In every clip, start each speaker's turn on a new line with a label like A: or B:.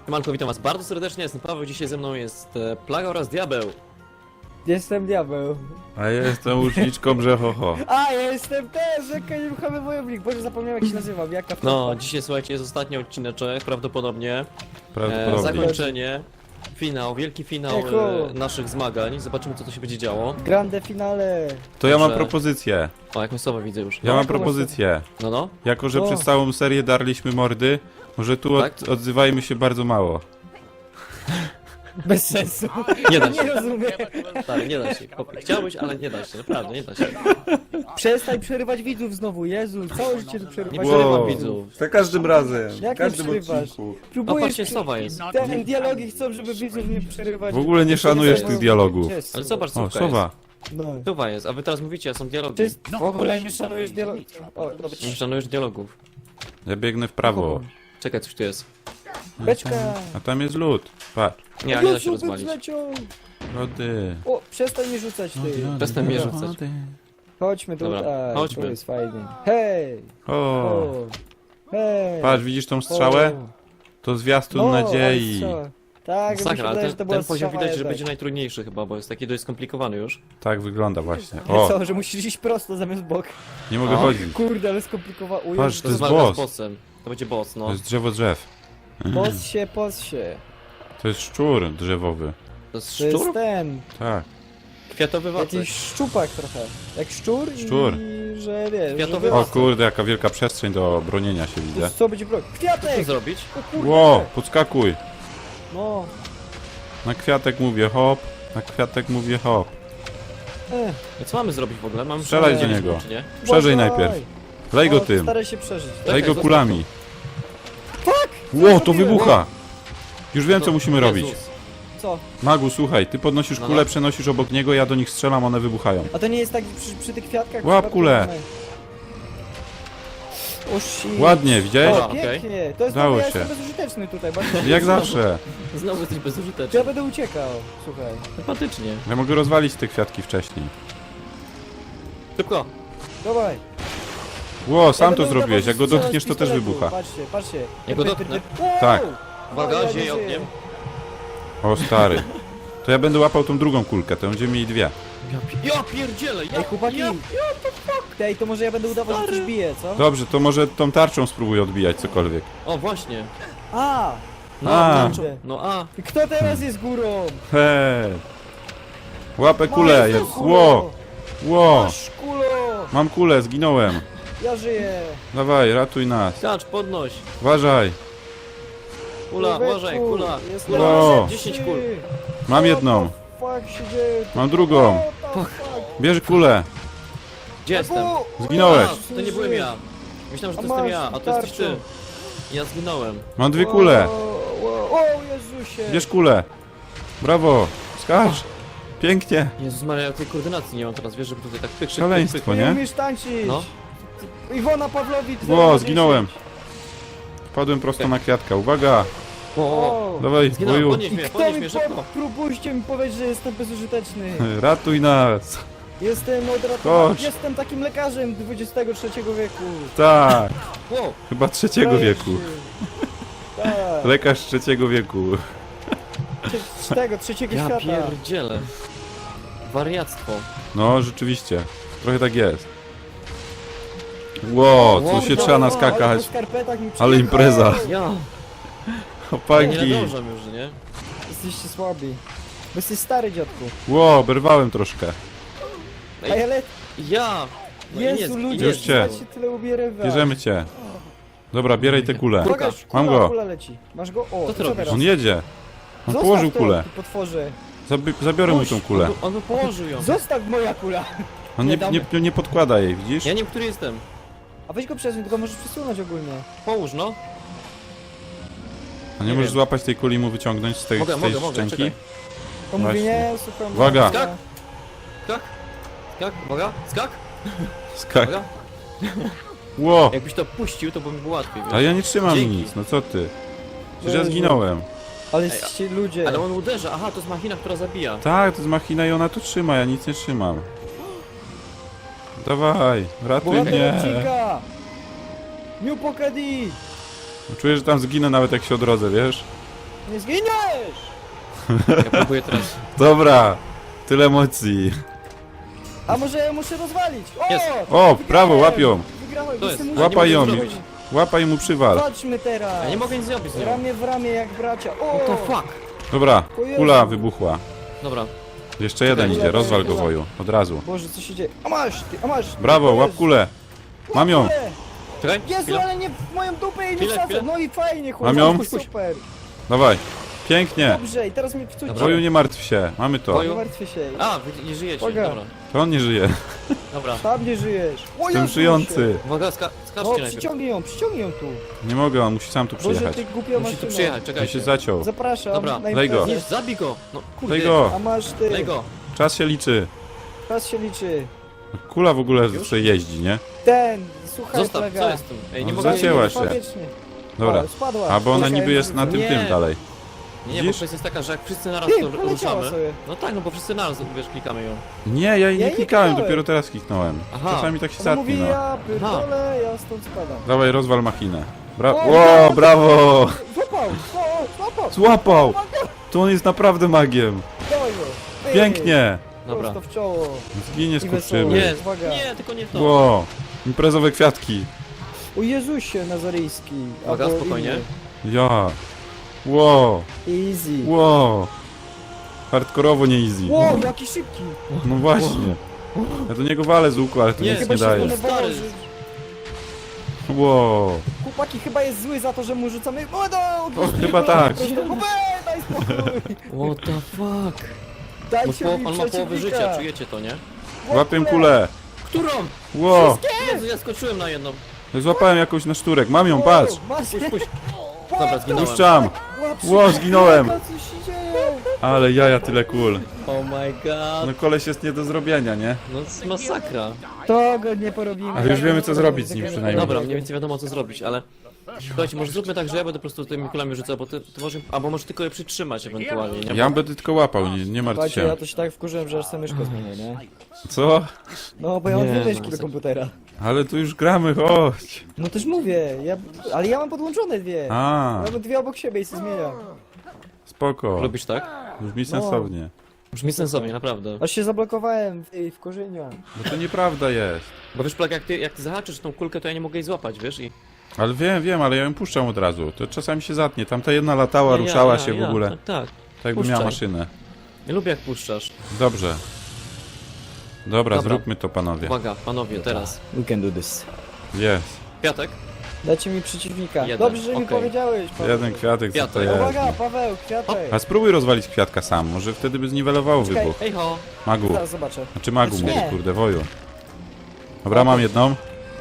A: Siemanko, witam was bardzo serdecznie, jestem Paweł, dzisiaj ze mną jest Plaga oraz Diabeł.
B: Jestem diabeł.
C: A ja jestem łuczniczką Brzechocho.
B: A, ja jestem też, jaka nieruchomy wojownik. Boże, zapomniałem jak się nazywam, jaka
A: No, dzisiaj słuchajcie, jest ostatni odcineczek, prawdopodobnie.
C: Prawdopodobnie.
A: Zakończenie, finał, wielki finał
B: Echo.
A: naszych zmagań. Zobaczymy, co tu się będzie działo.
B: Grande finale.
C: To ja mam
A: Dobrze.
C: propozycję.
A: O, jakąś słowę widzę już.
C: Ja mam
B: jaką
C: propozycję.
A: No, no.
C: Jako, że
B: O.
C: przez całą serię darliśmy mordy, może tu
A: Tak?
C: odzywajmy się bardzo mało.
B: Bez sensu.
A: Nie da
B: Nie
A: się.
B: rozumiem.
A: Tak, nie da się. Chłopie, chciałbyś, ale nie da się, naprawdę, nie da się.
B: Przestań przerywać widzów znowu, Jezu, całe życie tu
A: Nie
B: przerywać.
A: przerywam
C: Wow.
A: widzów.
C: Za każdym razem.
B: Jak
C: w każdym
B: nie przerywasz?
C: odcinku.
A: O,
B: Próbujesz
A: patrzcie, sowa jest.
B: Ten dialogi chcą, żeby widzów nie przerywać.
C: W ogóle nie szanujesz tych dialogów.
B: Gdzie jest
A: Ale
B: sowa?
A: zobacz,
C: O,
A: słówka
C: sowa.
A: jest.
B: No.
A: Sowa jest, a wy teraz mówicie, a są dialogi.
B: To jest... W ogóle nie szanujesz dialogów. O, dobra.
A: Nie szanujesz dialogów.
C: Ja biegnę w prawo.
A: Czekaj, coś tu jest.
B: Beczka.
C: A tam jest lód. Patrz.
A: Nie, nie da się
B: Jezu,
A: rozwalić.
B: zleciał.
C: Lody.
B: O, przestań mnie rzucać, ty.
A: Przestań mnie rzucać.
B: Chodźmy
A: Dobra,
B: tutaj,
A: chodźmy.
B: to jest fajnie. Hej!
C: O,
B: O! Hej!
C: patrz, widzisz tą strzałę?
B: O.
C: To zwiastun
B: No,
C: nadziei.
B: ale strzała. Tak, mi się
A: Sakra, ale
B: wydaje, że to była
A: ten poziom
B: strzała
A: widać, że
B: jednak.
A: będzie najtrudniejszy chyba, bo jest taki dość skomplikowany już.
C: Tak wygląda właśnie.
B: Nie
C: O,
B: co, że musisz iść prosto zamiast bok.
C: nie mogę
A: O.
C: chodzić.
B: Kurde, ale skomplikowało.
C: Patrz, to jest
A: walka
C: boss.
A: z bossem. To będzie boss, no.
C: To jest drzewo drzew.
B: Pos się.
C: To jest szczur drzewowy.
A: To jest
B: To jest
A: szczur?
C: Tak.
A: Kwiatowy wacek.
B: Jakiś szczupak trochę. Jak szczur
C: Szczur.
B: i że wiesz,
A: Kwiatowy
B: że
C: O
A: wacek.
C: kurde, jaka wielka przestrzeń do bronienia się widzę.
B: co będzie broń?
A: Co
B: Kwiatek!
A: zrobić?
B: O kurde!
C: Ło, podskakuj.
B: No.
C: Na kwiatek mówię hop, na kwiatek mówię hop.
A: I co mamy zrobić w ogóle? Mamy
C: Strzelaj do
A: przeżyć,
C: niego.
A: czy nie?
C: Przeżyj
B: Uważaj!
C: najpierw. Lej go
B: O,
C: tym,
B: Staraj się przeżyć.
C: lej go
A: zostaw
C: kulami.
B: Tak!
C: Ło, to
B: zrobiłem?
C: wybucha. Już wiem co
A: To-
C: musimy
A: Jezus.
C: robić.
B: Co?
C: Magu, słuchaj, ty podnosisz
A: No,
C: kulę,
A: no.
C: przenosisz obok niego, ja do nich strzelam, one wybuchają.
B: A to nie jest tak przy tych kwiatkach?
C: Łap
B: przypadkiem
C: kulę.
B: one- O shit.
C: Ładnie, widziałeś?
B: O,
A: Dobra, okej.
B: pięknie. To jest
C: Udało
B: ja
C: się.
B: jestem bezużyteczny tutaj. Bardzo...
C: Jak zawsze.
A: Znowu jesteś
B: To
A: bezużyteczny.
B: ja będę uciekał, słuchaj.
A: Sympatycznie.
C: Ja mogę rozwalić te kwiatki wcześniej.
A: Szybko.
B: Dawaj.
C: Ło, sam
B: Ja
C: to
B: będę
C: zrobiłeś,
B: udawał,
C: jak go
B: że strzelam
C: dotkniesz
B: z
C: to też
B: pistoletu.
C: wybucha.
B: Patrzcie, patrzcie.
A: Ja go dotknę?
B: Wow!
C: Tak.
A: Uwaga,
B: O, ja nie
A: zieje
B: żyję.
A: ogniem.
C: O stary. To ja będę łapał tą drugą kulkę, to będziemy mieli dwie.
A: Ja pierdzielę!
B: Ej, chłopaki. Ej, to może ja będę udawał, że coś bije, co?
C: Dobrze, to może tą tarczą spróbuj odbijać cokolwiek.
A: O, właśnie.
B: A!
A: No,
C: A.
A: no, no a.
B: Kto teraz jest górą?
C: Hej. Łapę kulę,
B: Masz
C: jest.
B: kulą.
C: Ło, ło.
B: Masz kulo!
C: Mam kulę, zginąłem.
B: Ja żyję!
C: Dawaj, ratuj nas.
A: Skacz, podnoś.
C: Uważaj.
A: Kula,
B: Człowieku,
A: uważaj, kula.
B: jest
A: Kula,
C: No.
A: 10 kul.
C: Mam jedną.
B: Fuck się dzieje?
C: Mam drugą.
B: What the fuck?
C: Bierz kulę.
A: Gdzie jestem?
C: Zginąłeś.
A: A, to nie byłem ja. Myślałem, że to jestem ja, a to jesteś ty. Ja zginąłem.
C: Mam dwie kule.
B: O Jezusie!
C: Bierz kulę. Brawo. Skacz. Pięknie.
A: Jezus Maria, ja tej koordynacji nie mam teraz, wiesz, żeby tutaj tak pyk,
C: Szaleństwo,
B: Nie
C: nie?
B: umiesz tańczyć!
A: No.
B: Iwona Pawlowicz!
C: Ło,
B: 010.
C: zginąłem. Wpadłem prosto na kwiatka. Uwaga.
A: O,
C: Dawaj,
A: zginąłem,
C: boju.
A: podnieś
B: I
A: mnie,
B: kto
A: podnieś
B: mi
A: mnie szybko.
B: próbujcie mi powiedzieć, że jestem bezużyteczny.
C: Ratuj nas.
B: Jestem odratowany.
C: Chodź.
B: Jestem takim lekarzem XXIII wieku.
C: Tak.
A: Wow,
C: Chyba trzeciego wieku.
B: Tak.
C: Lekarz trzeciego wieku.
B: Trzeciego
A: ja
B: świata.
A: pierdzielę. Wariactwo.
C: No, rzeczywiście. Trochę tak jest. Ło,
A: Wow,
C: tu się
A: no,
C: trzeba
B: Ale
C: naskakać.
B: po skarpetach mi
C: Ale impreza.
A: Ja nie
C: Chłopaki.
A: nadążam już, nie?
B: Jesteście słabi. Bo jesteś stary, dziadku.
C: Ło, berwałem troszkę.
A: Ej,
B: Ej, ale
A: Ja! No i
B: Jezu,
A: nie,
B: ludzie,
C: Już cię.
B: się tyle ubierywa.
C: Bierzemy cię. Dobra, bieraj tę kulę.
A: Kurka.
C: Mam go.
B: Kula leci. Masz go? O,
A: Co ty
B: co
A: robisz?
B: teraz?
C: On jedzie. On
B: Zostaw
C: położył
B: to,
C: kulę.
B: ty potworze.
C: Zabiorę mu tą kulę.
A: On by położył ją.
B: Zostaw moja kula.
C: On nie podkłada jej, widzisz?
A: Ja nie wiem, który jestem.
B: A weź go przesuń, tylko możesz przesunąć ogólnie.
A: Połóż, no.
C: A nie
A: nie
C: możesz
A: wiem.
C: złapać tej kuli i mu wyciągnąć z tej
A: Mogę,
C: szczęki?
A: czekaj.
B: To mówi
C: Właśnie.
B: nie, słucham.
C: Uwaga.
A: Skak. Skak. Skak, uwaga, skak,
C: Skak.
A: uwaga.
C: Ło!
A: Jakbyś to puścił, to by mi było łatwiej, wiesz?
C: A ja nie trzymam
A: Dzięki.
C: nic, no co ty? Przecież ja
B: Jezu.
C: zginąłem.
B: Ale
A: Ej,
B: jesteście ludzie.
A: Ale on uderza, aha, to jest machina, która zabija.
C: Tak, to jest machina i ona tu trzyma, ja nic nie trzymam. Dawaj, ratuj
B: Bohater
C: mnie.
B: odcinka! New Pokadi!
C: Czuję, że tam zginę nawet jak się odrodzę, wiesz?
B: Nie zginiesz!
A: Ja próbuję teraz.
C: Dobra, tyle emocji.
B: A może ja muszę rozwalić? O!
A: Jest.
C: O, brawo, łapią.
B: Wygrałem,
A: To jest.
B: jestem
A: A nie
C: Łapaj ją,
A: mogę zrobić.
C: łapaj i mu przywal.
B: Chodźmy teraz!
A: Ja nie mogę nic zrobić z nią.
B: Ramię w ramię jak bracia. O!
A: What the fuck?
C: Dobra,
B: O Jezu.
C: kula wybuchła.
A: Dobra.
C: Jeszcze jeden
B: Czekaj,
C: idzie, rozwal go
B: kula.
C: woju, od razu.
B: Boże, co się dzieje? A masz, ty, a masz!
C: Brawo,
B: To
C: łap
B: jest.
C: kulę. Mam ją.
B: Kulę.
A: Czekaj,
B: Jezu,
A: chwilę.
B: ale nie w moją dupę i nie
A: Chwilę,
B: wsadzę.
A: chwilę.
B: No i fajnie,
C: Mam ją?
B: chłopaki, super.
C: Dawaj. Pięknie.
B: Dobrze, i teraz mnie wczuć.
C: Woju, nie martw się, mamy to.
A: Woju.
B: Nie martwię się.
A: A, wy nie żyjecie,
B: Uwaga.
A: dobra.
C: To on nie żyje.
A: Dobra.
B: Tam nie żyjesz. O,
C: Jestem
B: Jezu,
C: żyjący.
B: się.
A: Uwaga,
B: No,
A: skaczcie najpierw.
B: przyciągnij ją tu.
C: Nie mogę, on musi sam tu
B: Boże,
C: przyjechać.
B: ty głupia
A: Musi tu
B: maszyno.
A: przyjechać,
C: On się
A: czekajcie.
C: zaciął.
B: Zapraszam.
A: Dobra,
B: na
C: daj go.
B: imprezę.
A: Nie, zabij go! No kurde.
C: Daj go.
B: A masz ty.
A: Daj go.
C: Czas się liczy.
B: Czas się liczy.
C: Kula w ogóle sobie jeździ, nie?
B: Ten, słuchaj,
A: Zostaw,
B: plaga.
A: co jest tu? Ej, nie
C: No,
A: mogę...
C: zacięła się.
B: Wiecznie.
C: Dobra.
B: O, spadła.
C: A bo ona
B: Musiałem
C: niby jest na
B: wyrzucić.
C: tym
A: Nie.
C: dalej.
A: Nie, bo
C: Widzisz?
A: kwestia jest taka, że jak wszyscy naraz
B: Ty,
A: to
B: poleciała
A: ruszamy...
B: sobie.
A: No tak, no bo wszyscy naraz, wiesz, klikamy ją.
C: Nie, ja jej
B: Ja
C: nie
B: jej
C: klikałem,
B: klikałem.
C: dopiero teraz kliknąłem.
A: Aha.
C: Czasami tak się
B: Ona mówi,
C: zatnie, no.
B: ja pierdolę, ja stąd spadam.
C: Dawaj, rozwal machinę.
B: O,
C: Ło, brawo!
B: Złapał, złapał.
C: Złapał! To on jest naprawdę magiem.
B: Dawaj go. Ty.
C: Pięknie!
A: Dobra.
B: Prosto w czoło.
C: Zginie
B: I wesoło.
C: skurczyby.
A: Nie,
B: Uwaga.
A: nie, tylko nie to.
C: Ło! Imprezowe kwiatki.
B: O Jezusie Nazaryjski.
A: Uwaga,
B: albo
A: spokojnie.
C: Ja. Ło!
B: inny. Easy.
C: Ło! Hardkorowo nie easy.
B: Wow, jaki szybki.
C: No właśnie. Ja do niego walę z łuku, ale to
A: Nie,
C: nic
B: Chyba
C: nie
B: się
C: daje.
B: zdenerwował,
A: Stary.
B: że...
C: Ło!
B: Chłopaki chyba jest zły za to, że mu rzucamy... O,
C: Chyba tak.
B: Daj spokój.
A: What the fuck?
B: Dajcie mi
A: On ma połowę życia,
B: przeciwnika.
A: czujecie to, nie?
C: Łapię kulę.
A: Którą?
C: Ło!
A: Jezu, ja skoczyłem na jedną.
C: Złapałem jakąś na szturek. Mam ją,
B: Wow,
C: patrz!
B: masz-
A: Puść, puść. Dobra, zginąłem.
C: Puszczam!
B: Łap się,
C: Ło, zginąłem!
B: Co się dzieje?
C: Ale jaja tyle kul.
A: Oh my god.
C: No koleś jest nie do zrobienia, nie?
A: No to jest masakra.
B: To go nie porobimy.
C: Ale już wiemy, co zrobić z nim przynajmniej.
A: Dobra, mniej więcej wiadomo co zrobić, ale... Słuchajcie, może zróbmy tak, że ja będę po prostu tymi kulami rzucał, bo ty może... Albo może tylko je przytrzymać ewentualnie, nie?
C: Ja będę tylko łapał, nie martw
B: Słuchajcie,
C: się.
B: ja to się tak wkurzyłem, że aż sobie myszkę zmienię, nie?
C: Co?
B: No, bo ja mam
A: Nie,
B: dwie
A: no,
B: myszki do
A: masakra.
B: komputera.
C: Ale tu już gramy, chodź!
B: No też mówię, ale ja mam podłączone dwie.
C: A,
B: Ja mam dwie obok siebie i się zmieniam.
C: spoko.
A: Lubisz tak?
C: Brzmi sensownie.
A: Brzmi sensownie, naprawdę.
B: Aż się zablokowałem w korzeniu.
C: Bo to nieprawda jest.
A: Bo wiesz, Plak, jak ty zahaczysz tą kulkę, to ja nie mogę jej złapać, wiesz? I...
C: Ale wiem, ale ja ją puszczam od razu. To czasami się zatnie. Tamta jedna latała, ruszała się w ogóle.
A: Tak, tak.
C: Tak jakby miała
A: puszczaj.
C: maszynę.
A: Nie lubię jak puszczasz.
C: Dobrze. Dobra,
A: Dobra.
C: zróbmy to, panowie.
A: Uwaga, panowie, teraz.
B: We can do this.
C: Jest.
A: Kwiatek?
B: Dajcie mi przeciwnika.
A: Jeden,
B: Dobrze, że mi
A: okej.
B: powiedziałeś, Paweł.
C: Jeden kwiatek, co to
A: Kwiatek.
C: jest?
B: Uwaga, Paweł, kwiatek.
C: A spróbuj rozwalić kwiatka sam, może wtedy by zniwelowało
B: Czekaj.
C: wybuch.
A: Hej ho!
C: Magu.
B: Zaraz zobaczę.
C: Znaczy magu,
B: Nie.
C: mówię, kurde, woju. Dobra, mam jedną.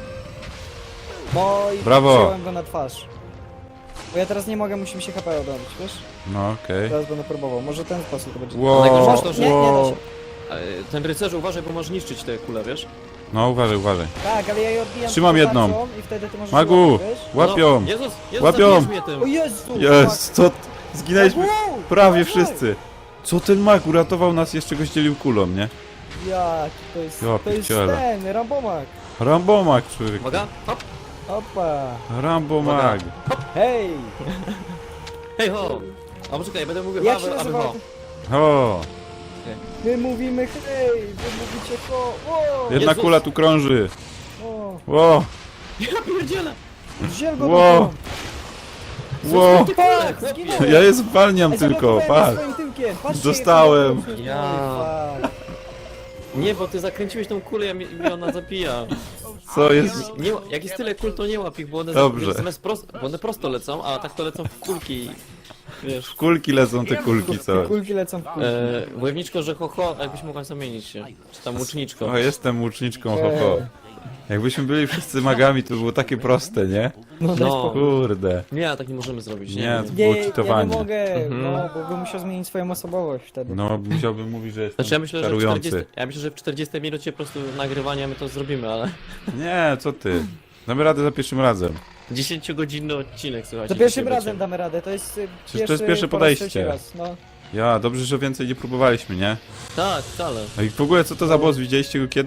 B: No i
C: Brawo.
B: wziąłem go na twarz. Bo ja teraz nie mogę, musimy się HP odrobić, wiesz?
C: No okej.
B: Teraz będę próbował, może ten sposób to będzie.
C: Wow,
A: Najgorsze to, że-
B: Nie, nie da
C: wow.
B: się.
A: Ten rycerzu, uważaj, bo możesz niszczyć te kule, wiesz?
C: No uważaj, uważaj.
B: Tak, ale ja je odbijam
C: Trzymam
B: tylko
C: jedną.
B: tarczą I wtedy ty możesz
C: Magu,
B: łapać, wiesz?
C: łapią.
A: No, Jezus,
C: Łapią.
A: zabijesz mnie tym.
B: O Jezu!
C: Jest, co? Zginęliśmy
B: Wow,
C: prawie
B: dawaj.
C: wszyscy. Co ten mag uratował nas, jeszcze go zdzielił kulą, nie?
B: Jak to jest,
C: Ja
B: to jest
C: pierdzielę.
B: ten, Rambomak.
C: Rambomag, człowiek.
A: Uwaga, hop!
B: Opa,
C: Rambomag.
B: hej!
A: Hej ho! A poczekaj, będę mówił
B: Jak się
A: aby
B: nazywa?
A: ho.
C: O,
B: My mówimy hej, wy mówicie ho, o,
C: jedna
A: Jezus.
C: kula tu krąży.
B: o,
C: Ło,
A: Ja pierdzielę!
B: wziął go
C: Ło. ło.
B: Tak,
A: Chłopie.
B: zginąłem.
C: Ja je zwalniam
B: Ej,
C: tylko,
B: zablokowałem
C: patrz.
B: swoim tyłkiem. Patrzcie,
C: Dostałem.
B: jak
A: Ja.
B: fuck.
A: Nie, bo ty zakręciłeś tą kulę i mnie ona zabija.
C: Co jest?
A: Nie, jak jest tyle kul, to nie łap ich, bo one,
C: Dobrze.
A: zamiast prosto, bo one prosto lecą, a tak to lecą w kulki. Wiesz.
C: Kulki lecą te kulki, co?
B: Kulki lecą w kulki.
A: Wojowniczko, że ho ho, jakbyś mogła zamienić się. Czy tam łuczniczko.
C: O, jestem łuczniczką, ho, ho. Jakbyśmy byli wszyscy magami, to było takie proste, nie?
B: No, daj
A: No.
B: spokój.
C: Kurde.
A: Nie, tak nie możemy zrobić.
C: Nie,
A: Nie.
C: to
B: Nie,
C: było
B: ja nie
C: cheatowanie.
B: mogę,
A: Mhm.
B: no, bo bym musiał zmienić swoją osobowość wtedy.
C: No, musiałbym mówić, że jestem
A: Znaczy ja myślę, że w
C: czarujący.
A: 40 minucie po prostu nagrywania my to zrobimy, ale
C: Nie, co ty? Damy radę za pierwszym razem.
A: 10-godzinny odcinek, słuchajcie.
B: To pierwszym
A: dzisiaj
B: razem
A: będzie.
B: damy radę, to jest
C: to jest pierwsze
B: po raz
C: podejście.
B: trzeci raz, no.
C: Ja, dobrze, że więcej nie próbowaliśmy, nie?
A: Tak, wcale.
C: No i w ogóle, co to za boss? Widzieliście go kiedyś?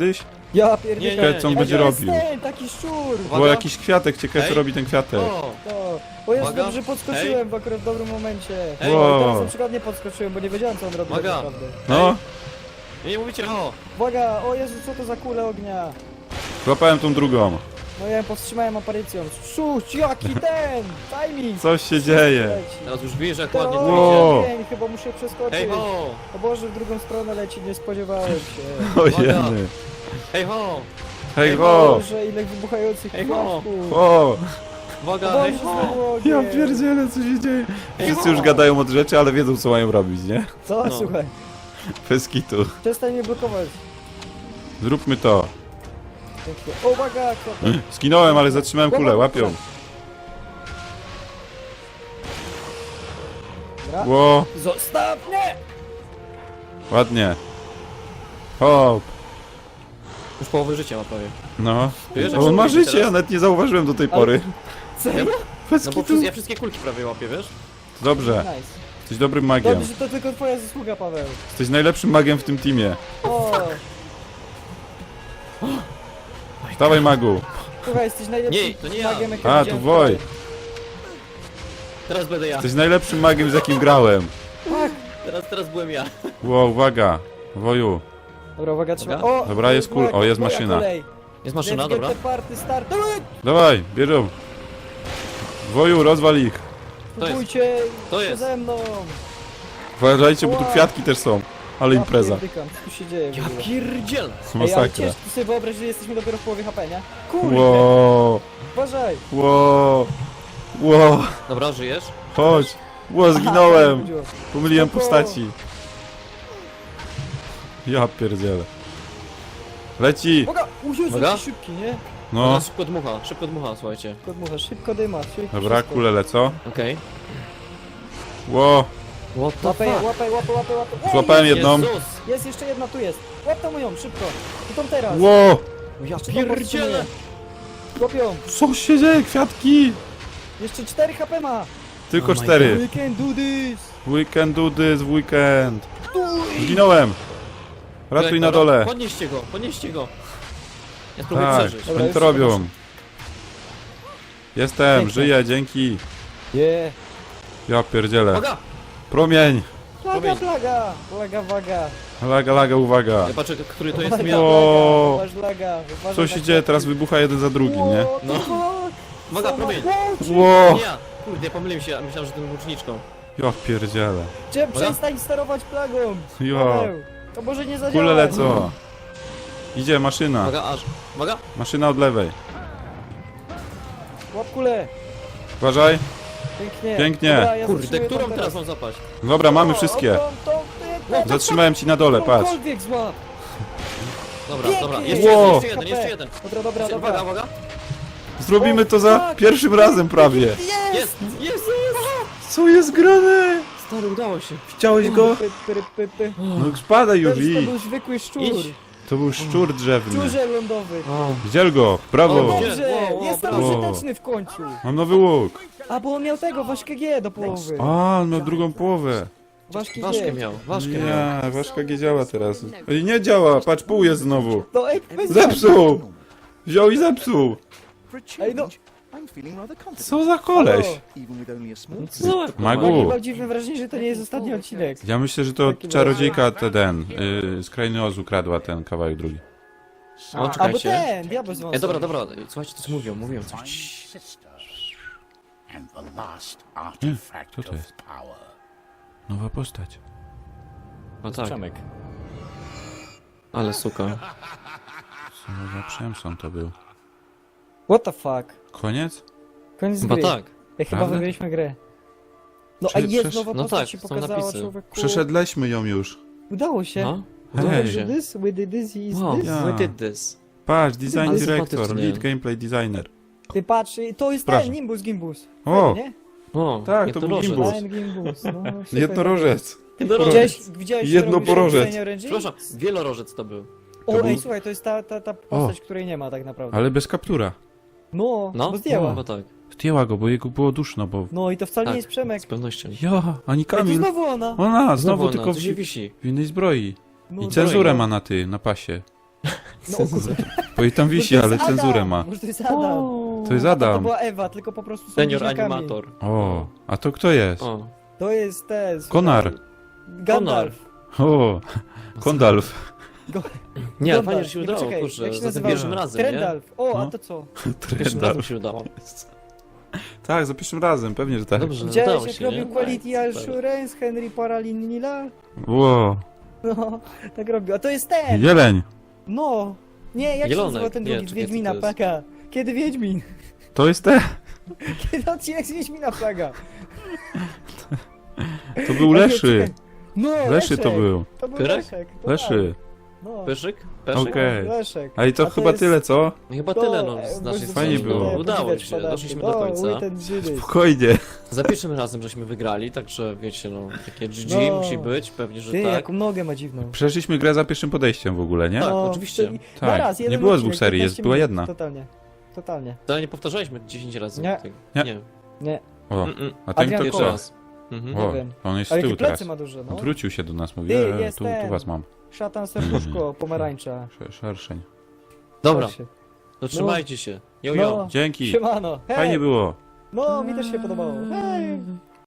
B: Ja
A: Nie,
B: pierdolę.
C: Co on
A: nie,
C: będzie
B: To jest
C: robił?
B: ten, taki szczur.
A: Uwaga.
C: Było jakiś kwiatek, ciekawe co
A: Ej.
C: robi ten kwiatek.
A: O,
B: O Jezu,
A: Uwaga.
B: dobrze podskoczyłem akurat w dobrym momencie.
A: Ej.
B: O, teraz
C: Wow.
B: na przykład nie podskoczyłem, bo nie wiedziałem co on robi tak
A: Uwaga.
B: naprawdę.
C: No,
A: nie mówicie ho.
B: Uwaga, o Jezu, co to za kule ognia?
C: złapałem tą drugą.
B: No ja ją powstrzymałem aparycją. Szuć, jaki ten! Timing!
C: Coś się dzieje.
B: Leci.
A: Teraz już wiesz jak
B: To
A: ładnie
C: Wow.
A: to idzie.
B: dzień, chyba muszę przeskoczyć.
A: Hej ho!
B: O Boże, w drugą stronę leci, nie spodziewałem się.
C: O
A: Uwaga.
C: jeny.
A: Hej ho!
C: Hej
B: O
C: ho!
B: Boże, ile wybuchających
A: Hej, ho.
B: flaszków.
C: O!
A: Uwaga,
B: O
A: hej
B: Boże,
A: ho!
B: znowu ogień.
C: Ja pierdzielę, co się dzieje. Wszyscy już gadają od rzeczy, ale wiedzą co mają robić, nie?
B: Co?
A: No.
B: Słuchaj,
C: Bez kitu.
B: przestań mnie blokować.
C: Zróbmy to.
B: Pięknie. O, uwaga, kropka.
C: Skinąłem, ale zatrzymałem kulę, łapią.
B: Dobra.
C: Ło,
B: Zostaw mnie!
C: ładnie. Hop.
A: Już połowy życia ma prawie.
C: No.
A: Wiesz, jak
C: O, on ma
A: się
C: życie,
A: teraz?
C: ja nawet nie zauważyłem do tej pory.
B: Serio?
C: Bez
A: No bo
C: kitu.
A: ja wszystkie kulki prawie łapię, wiesz?
C: Dobrze,
B: Nice.
C: jesteś dobrym magiem.
B: Dobrze, że to tylko twoja zasługa, Paweł.
C: Jesteś najlepszym magiem w tym teamie.
B: O,
C: Dawaj magu.
B: słuchaj, jesteś najlepszym
A: Nie, to nie ja.
B: magiem, jakiego
C: A, tu
B: widziałem
C: Woj.
B: wczoraj.
A: Teraz będę ja.
C: Jesteś najlepszym magiem z jakim grałem.
A: Teraz byłem ja.
C: Ło, uwaga. Woju.
B: Dobra, uwaga, trzeba.
A: Dobra.
B: O,
C: Dobra, jest kul- o, jest
B: moja
C: maszyna.
B: kolej.
A: Jest maszyna,
B: Let's get
A: dobra.
B: the party start.
C: Dawaj, bierzą. Woju, rozwal ich.
A: To jest.
B: Spróbujcie
A: To jest.
B: ze mną.
C: Uważajcie, bo tu
B: Wow.
C: kwiatki też są. Ale impreza.
B: Ja pierdykam, co tu się dzieje w
A: Ja
B: ogóle?
A: pierdziel!
B: Ej, ale
C: Masakra.
B: ciężko sobie wyobraź, że jesteśmy dopiero w połowie HP, nie? Kurde,
C: Ło,
B: uważaj.
C: ło, ło.
A: Dobra, żyjesz?
C: Chodź. Ło,
B: Aha,
C: zginąłem.
B: chodziło.
C: Pomyliłem
B: Spoko.
C: postaci. Ja pierdzielę. Leci.
B: Uwaga, Jezu,
A: Uwaga.
B: jaki szybki, nie?
C: No.
A: Ona szybko dmucha, słuchajcie.
B: Szybko dmucha, szybko dyma, szybko
C: Dobra,
B: wszystko.
C: kule lecą.
A: Okej.
C: Ło,
A: What the
B: Łapę,
A: fuck?
B: łapę. Ej,
C: złapałem jedną.
A: Jezus!
B: Jest jeszcze jedna, tu jest. Łap tą moją, szybko. I tą teraz.
C: Ło,
A: Ja
B: Czy to
A: pierdzielę!
B: powstrzymuje? Łapią.
C: co się dzieje, kwiatki?
B: Jeszcze 4 HP ma.
C: Tylko
A: Oh my
C: 4.
B: We can do this.
C: We can do this w weekend. Zginąłem. Ratuj na
A: Dobra,
C: dole.
A: Podnieście go! Ja spróbuję
C: Tak,
A: przeżyć.
B: Dobra,
C: oni
B: już
C: to
B: się
C: robią.
B: podnoszę.
C: Jestem,
B: Pięknie.
C: żyję, dzięki.
B: Yeah.
C: Ja pierdzielę.
A: Uwaga!
C: Promień.
B: Plaga, plaga, waga.
C: Laga, uwaga.
A: Ja patrzę, który to jest
B: Uwaga,
A: ja.
C: O.
B: Uważ laga, uważaj
C: Co
B: na
C: się
B: kwiatki.
C: dzieje? Teraz wybucha jeden za drugim, nie?
A: No. Uwaga, promień!
C: Ło,
A: Nie ja! Kurde, ja pomyliłem się, myślałem, że tym łuczniczką.
C: ja pierdzielę.
B: Przestań sterować plagą.
C: Ja,
B: Paweł, to może nie zadziała.
C: kule lecą. Idzie maszyna.
A: Uwaga, uwaga!
C: Maszyna od lewej.
B: Łap kulę.
C: Uważaj.
B: Pięknie.
C: Pięknie.
B: Dobra, ja
A: Kurde,
B: zatrzymuję
A: którą
B: tą
A: teraz mam zapaść?
C: Dobra, mamy
B: O,
C: wszystkie.
B: tą,
C: Zatrzymałem ci na dole, patrz.
B: Którąkolwiek złap.
A: Dobra, dobra,
B: Pięknie.
A: jeszcze jeden.
B: Dobra,
A: Uwaga,
B: dobra.
A: uwaga!
C: Zrobimy to za
B: Tak.
C: pierwszym razem prawie.
A: Jest! Jest!
C: Co jest grane?
A: Stary, udało się.
C: Widziałeś go?
B: Py.
C: No spadaj już
B: To
C: i.
B: był zwykły szczur.
A: Idź.
C: To był szczur drzewny.
B: Szczurze lądowy.
C: Widziel go,
A: O,
C: brawo.
A: gdzie?
B: Dobrze,
A: Wow,
B: jest
A: brawo.
B: użyteczny w końcu.
C: Mam nowy łuk.
B: A, bo on miał tego, ważkę G do połowy.
C: A, on miał drugą połowę.
B: Ważki
A: Ważkę
B: G.
A: miał, ważkę miał.
C: Nie, ważka G działa teraz. Ej, nie działa, patrz, pół jest znowu.
B: No ej, bez
C: Zepsuł! Wziął i zepsuł.
B: Ej, no.
C: Co za koleś?
A: Co za łeb,
C: Magu.
A: normalnie.
B: Mam dziwne wrażenie, że to nie jest ostatni odcinek.
C: Ja myślę, że to czarodziejka ten, z Krainy Oz ukradła ten kawałek drugi.
A: O,
B: Albo
A: czekajcie.
B: ten, diabeł z wąsem.
A: Dobra, słuchajcie, coś mówią coś.
D: And the last
C: co
D: artifact
C: to
D: of
C: jest?
D: power.
C: Nowa postać.
A: No tak,
B: Przemek.
A: ale suka.
C: Co za Przemson to był.
B: What the fuck?
C: Koniec?
B: Koniec
A: Chyba
B: gry.
A: tak.
B: Ja chyba
C: Prawda?
B: wygraliśmy grę. No a
C: Prze-
B: jest
C: przesz-
B: nowa
A: no
B: postać
A: tak,
B: się
A: są
B: pokazała,
A: napisy.
B: człowieku.
C: Przeszedleśmy ją już.
B: Udało się.
A: No?
C: Hej.
A: Udało
B: We
A: się.
B: did this, we did this, is
A: Wow,
B: this.
C: Ja.
A: we did this.
C: Patrz, design
A: Ale
C: director,
A: sympatycznie.
C: lead gameplay designer.
B: Ty patrz, to jest
C: Proszę.
B: ten, Gimbus.
C: O,
B: Nie?
A: O,
C: Tak, to był
A: jednorożec.
C: gimbus.
B: Ten Gimbus, no. super.
C: jednorożec.
A: Jednorożec.
C: Jednoporożec.
A: Przepraszam, wielorożec to był.
B: O,
C: To był-
B: ej, słuchaj, to jest ta postać, której nie ma tak naprawdę.
C: Ale bez kaptura.
B: No,
A: No,
B: bo zdjęła.
A: chyba tak.
C: Zdjęła go, bo jego było duszno, bo...
B: No i to wcale
A: Tak,
B: nie jest Przemek.
A: z pewnością.
C: Ja, ani
B: Ej, to
C: Kamil.
B: znowu ona.
C: Ona, znowu
A: Znowu
C: tylko
A: ona, to się wisi.
C: w innej zbroi.
B: No,
C: I
B: to-
C: cenzurę ma na pasie.
B: No, o kurde.
C: Bo i tam wisi,
B: Może to
C: ale
B: jest
C: cenzurę
B: Adam,
C: ma.
B: Może to jest Adam.
C: To jest
B: To
C: Adam.
B: była Ewa, tylko po prostu są
A: Senior
B: bliźniakami.
A: animator.
C: O, a to kto jest?
A: O,
B: To jest ten...
C: Konar.
B: Gandalf.
C: O, Kondalf.
A: nie, ale
B: Gandalf.
A: fajnie, że się
B: Nie,
A: udało,
B: poczekaj,
A: kurczę,
B: jak się
A: za tym
B: nazywa?
A: pierwszym razem, nie?
B: Trendalf. O, a
C: No.
B: to co?
A: Pierwszym razem się udało.
C: Tak, za pierwszym razem, pewnie, że tak.
A: Dobrze, udało
B: Widziałeś jak
A: się,
B: robił
A: nie?
B: Quality
A: Super.
B: Assurance Henry Paralinila?
C: Ło,
B: No, tak robił. A to jest ten!
C: jeleń.
B: No! Nie, jak się
A: Jelonek.
B: nazywa ten
A: Nie,
B: drugi z
A: czekaj, co
B: Wiedźmina
A: to jest?
B: plaga? Kiedy Wiedźmin?
C: To jest te.
B: Kiedy odcinek z Wiedźmina plaga?
C: To był Leszy.
B: Czekaj. No,
C: Leszy to był.
B: To był
A: Pyrek?
B: Leszek. to
C: Leszy.
B: tak. No,
A: Pyszyk? Peszyk?
C: Okej.
B: Leszek.
C: A i to
B: A
C: chyba
B: jest-
C: tyle, co?
A: No chyba
B: to,
A: tyle, no, z
B: bo
A: naszej
C: Fajnie
A: strony.
C: było.
A: No, udało
B: podziwiać
A: się,
B: podatki.
A: doszliśmy do końca.
B: Ten Żydy.
C: Spokojnie.
A: Za pierwszym razem żeśmy wygrali, także wiecie, no, takie GG
B: No.
A: musi być, pewnie, że
B: Ty,
A: tak.
B: jaką nogę ma dziwną.
C: Przeszliśmy grę za pierwszym podejściem w ogóle, nie?
A: Tak,
B: No,
A: oczywiście.
B: czyli
C: Tak,
B: na raz,
C: nie
B: jeden
C: było
B: odcinek,
C: dwóch serii,
B: 15
C: była
B: minut.
C: jedna.
B: Totalnie. Totalnie.
A: Ale nie powtarzaliśmy 10 razy.
B: Nie.
A: tego.
C: Nie.
A: Nie.
B: Nie,
C: O,
A: Mm-mm.
C: a ten
B: Adrian
C: to
A: Pierwszy
C: kto?
A: raz. Mhm.
C: O,
B: wiem.
C: on jest z
B: ale
C: tyłu
B: jakie plecy
C: teraz.
B: ma duże, no.
C: Odwrócił się do nas, mówi,
B: Ty,
C: tu
B: jestem.
C: was mam.
B: Szatan, serduszko, pomarańcza.
C: Szerszeń.
A: Dobra,
B: Proszę.
A: to trzymajcie się. Jo, jo.
B: No,
C: Dzięki.
B: siemano. Hej.
C: Fajnie było.
B: No, mi też się podobało. Hej.